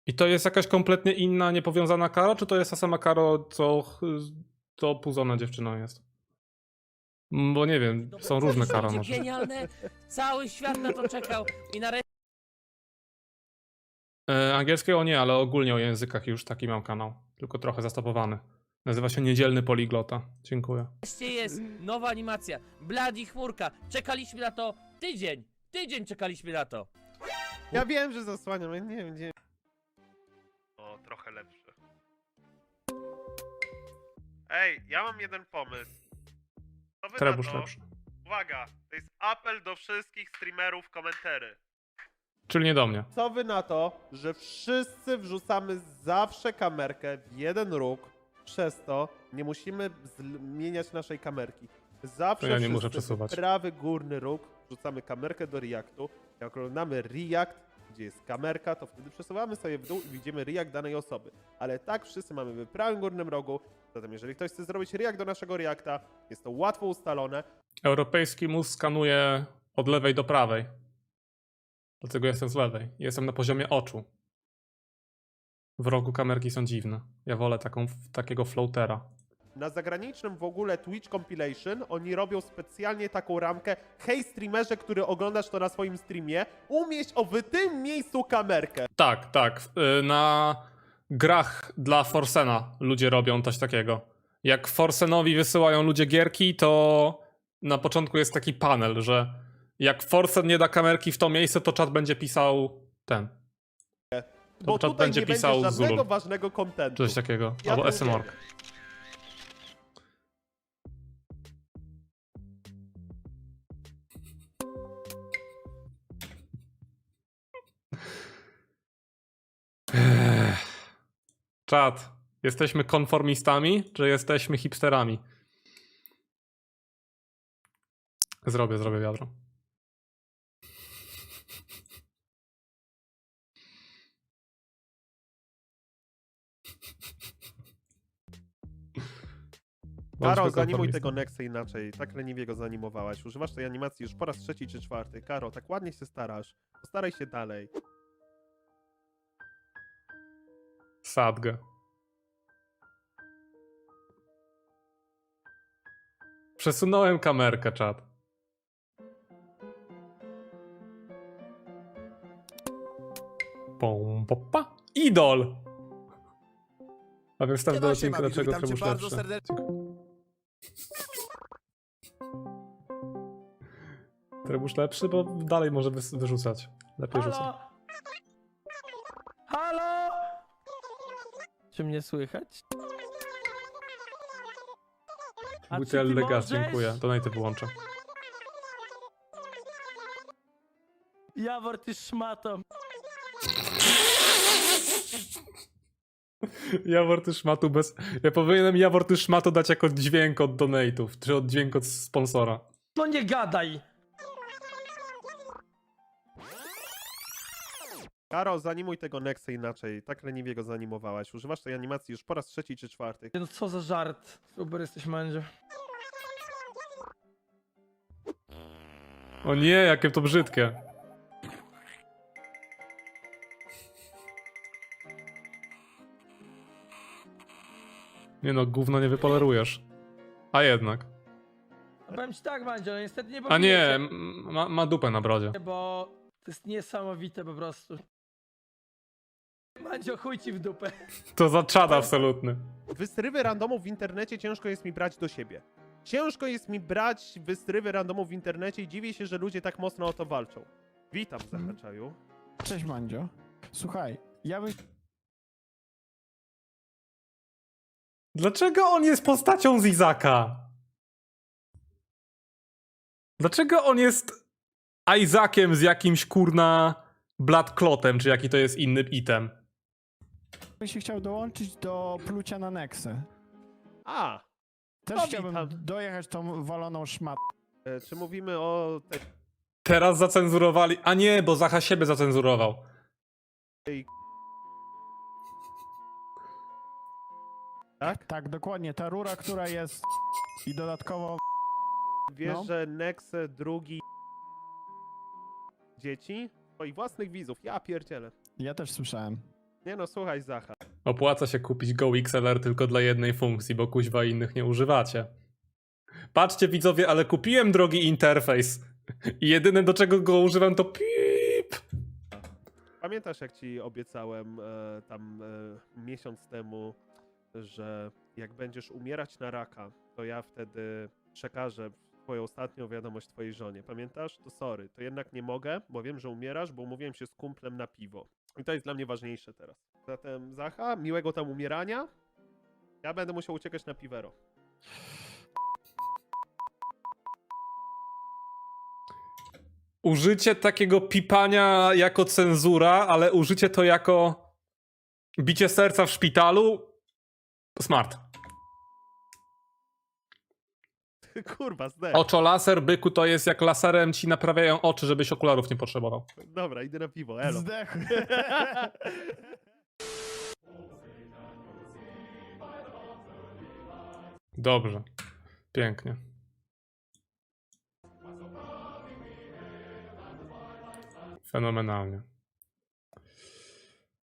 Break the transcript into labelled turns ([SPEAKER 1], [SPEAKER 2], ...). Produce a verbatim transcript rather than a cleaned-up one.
[SPEAKER 1] I to jest jakaś kompletnie inna, niepowiązana Karo, czy to jest ta sama Karo, co, co Puzona dziewczyną jest? Mm, Bo nie wiem, są różne
[SPEAKER 2] To
[SPEAKER 1] Karo
[SPEAKER 2] będzie
[SPEAKER 1] może.
[SPEAKER 2] genialne, cały świat na to czekał i nareszcie
[SPEAKER 1] E, angielskiego nie, ale ogólnie o językach już taki mam kanał. Tylko trochę zastopowany. Nazywa się Niedzielny Poliglota. Dziękuję.
[SPEAKER 2] jest nowa animacja, Bloody Chmurka, czekaliśmy na to tydzień, tydzień czekaliśmy na to.
[SPEAKER 3] Ja wiem, że zasłaniam, ja nie wiem gdzie.
[SPEAKER 4] O, trochę lepszy. Ej, ja mam jeden pomysł. Co wy na
[SPEAKER 1] Trebusz
[SPEAKER 4] to?
[SPEAKER 1] lepszy.
[SPEAKER 4] Uwaga, to jest apel do wszystkich streamerów komentary.
[SPEAKER 1] Czyli nie do mnie.
[SPEAKER 3] Co wy na to, że wszyscy wrzucamy zawsze kamerkę w jeden róg, przez to nie musimy zmieniać naszej kamerki. Zawsze
[SPEAKER 1] To ja nie
[SPEAKER 3] wszyscy
[SPEAKER 1] muszę przesuwać.
[SPEAKER 3] w prawy górny róg wrzucamy kamerkę do Reactu. Jak oglądamy React, gdzie jest kamerka, to wtedy przesuwamy sobie w dół i widzimy React danej osoby. Ale tak wszyscy mamy w prawym górnym rogu, zatem jeżeli ktoś chce zrobić React do naszego Reacta, jest to łatwo ustalone.
[SPEAKER 1] Europejski mózg skanuje od lewej do prawej. Dlatego jestem z lewej. Jestem na poziomie oczu. W rogu kamerki są dziwne. Ja wolę taką, takiego floatera.
[SPEAKER 3] Na zagranicznym w ogóle Twitch Compilation oni robią specjalnie taką ramkę: hej streamerze, który oglądasz to na swoim streamie, umieść o w tym miejscu kamerkę.
[SPEAKER 1] Tak, tak. y, Na grach dla Forsena ludzie robią coś takiego. Jak Forsenowi wysyłają ludzie gierki, to na początku jest taki panel, że jak Forsen nie da kamerki w to miejsce, to czat będzie pisał ten.
[SPEAKER 3] Bo
[SPEAKER 1] czat
[SPEAKER 3] tutaj
[SPEAKER 1] będzie
[SPEAKER 3] nie
[SPEAKER 1] pisał
[SPEAKER 3] będzie żadnego
[SPEAKER 1] Zulul.
[SPEAKER 3] ważnego
[SPEAKER 1] Czy
[SPEAKER 3] kontentu.
[SPEAKER 1] coś takiego.
[SPEAKER 3] Ja
[SPEAKER 1] Albo
[SPEAKER 3] to
[SPEAKER 1] S M R.
[SPEAKER 3] uwielbiam.
[SPEAKER 1] Czat. Jesteśmy konformistami, czy jesteśmy hipsterami? Zrobię, zrobię wiadro.
[SPEAKER 3] Karo,
[SPEAKER 1] Bądźmy
[SPEAKER 3] zanimuj
[SPEAKER 1] konformistami.
[SPEAKER 3] tego Nexę inaczej. Tak leniwie go zanimowałaś. Używasz tej animacji już po raz trzeci czy czwarty. Karo, tak ładnie się starasz. Postaraj się dalej.
[SPEAKER 1] Sadgę. Przesunąłem kamerkę, czat. Pom, popa. Idol! A więc wstaw do
[SPEAKER 5] Siema,
[SPEAKER 1] odcinka,
[SPEAKER 5] siema,
[SPEAKER 1] dlaczego
[SPEAKER 5] witam cię
[SPEAKER 1] Trebusz
[SPEAKER 5] bardzo
[SPEAKER 1] lepszy.
[SPEAKER 5] serdecznie.
[SPEAKER 1] Dziękuję. Trebusz lepszy, bo dalej może wys- wyrzucać. Lepiej rzucać.
[SPEAKER 2] Halo? Halo? Czy mnie słychać? A czy
[SPEAKER 1] Butel
[SPEAKER 2] ty
[SPEAKER 1] Legas,
[SPEAKER 2] możesz?
[SPEAKER 1] dziękuję. Donate wyłączę.
[SPEAKER 2] Jawor, ty szmato.
[SPEAKER 1] Jawor, ty szmatu bez... Ja powinienem Jawor, ty szmatu dać jako dźwięk od donate'ów, czy od dźwięk od sponsora.
[SPEAKER 2] No nie gadaj.
[SPEAKER 3] Karo, zanimuj tego Nexę inaczej. Tak leniwie go zanimowałaś. Używasz tej animacji już po raz trzeci czy czwarty.
[SPEAKER 2] No co za żart. Super jesteś, Mandzio.
[SPEAKER 1] O nie, jakie to brzydkie. Nie no, gówno nie wypolerujesz. A jednak.
[SPEAKER 2] A powiem ci tak, Mandzio, no niestety nie
[SPEAKER 1] A nie,
[SPEAKER 2] pobijecie,
[SPEAKER 1] m- ma, ma dupę na brodzie.
[SPEAKER 2] bo to jest niesamowite po prostu. Mandzio, chuj ci w dupę.
[SPEAKER 1] To za czad absolutny.
[SPEAKER 3] Wystrywy randomów w internecie ciężko jest mi brać do siebie. Ciężko jest mi brać wystrywy randomów w internecie i dziwię się, że ludzie tak mocno o to walczą. Witam, Zahaczaju.
[SPEAKER 5] Cześć Mandzio. Słuchaj, ja bym
[SPEAKER 1] Dlaczego on jest postacią z Izaka? Dlaczego on jest Isaaciem z jakimś kurna Bloodclotem, czy jaki to jest inny item?
[SPEAKER 5] się chciał dołączyć do plucia na Nexę.
[SPEAKER 3] A,
[SPEAKER 5] Też
[SPEAKER 3] No,
[SPEAKER 5] chciałbym
[SPEAKER 3] witam.
[SPEAKER 5] dojechać tą waloną szmatę.
[SPEAKER 3] e, czy mówimy o tej...
[SPEAKER 1] Teraz zacenzurowali. A nie, bo Zacha siebie zacenzurował.
[SPEAKER 3] Tak?
[SPEAKER 5] Tak, dokładnie. Ta rura, która jest i dodatkowo...
[SPEAKER 3] Wiesz,
[SPEAKER 5] No.
[SPEAKER 3] że Nexe drugi... dzieci? Swoich własnych widzów. Ja pierdzielę.
[SPEAKER 5] Ja też słyszałem.
[SPEAKER 3] Nie no, słuchaj Zacha.
[SPEAKER 1] Opłaca się kupić Go X L R tylko dla jednej funkcji, bo kuźwa innych nie używacie. Patrzcie widzowie, ale kupiłem drogi interfejs. I jedyne do czego go używam to pip.
[SPEAKER 3] Pamiętasz jak ci obiecałem e, tam e, miesiąc temu, że jak będziesz umierać na raka, to ja wtedy przekażę twoją ostatnią wiadomość twojej żonie. Pamiętasz? To sorry, to jednak nie mogę, bo wiem, że umierasz, bo umówiłem się z kumplem na piwo. I to jest dla mnie ważniejsze teraz. Zatem Zacha, miłego tam umierania. Ja będę musiał uciekać na piwero.
[SPEAKER 1] Użycie takiego pipania jako cenzura, ale użycie to jako bicie serca w szpitalu? Smart.
[SPEAKER 3] Kurwa, zdech.
[SPEAKER 1] Oczolaser, byku, to jest jak laserem ci naprawiają oczy, żebyś okularów nie potrzebował.
[SPEAKER 3] Dobra, idę na piwo, elo.
[SPEAKER 5] Zdechł.
[SPEAKER 1] Dobrze. Pięknie. Fenomenalnie.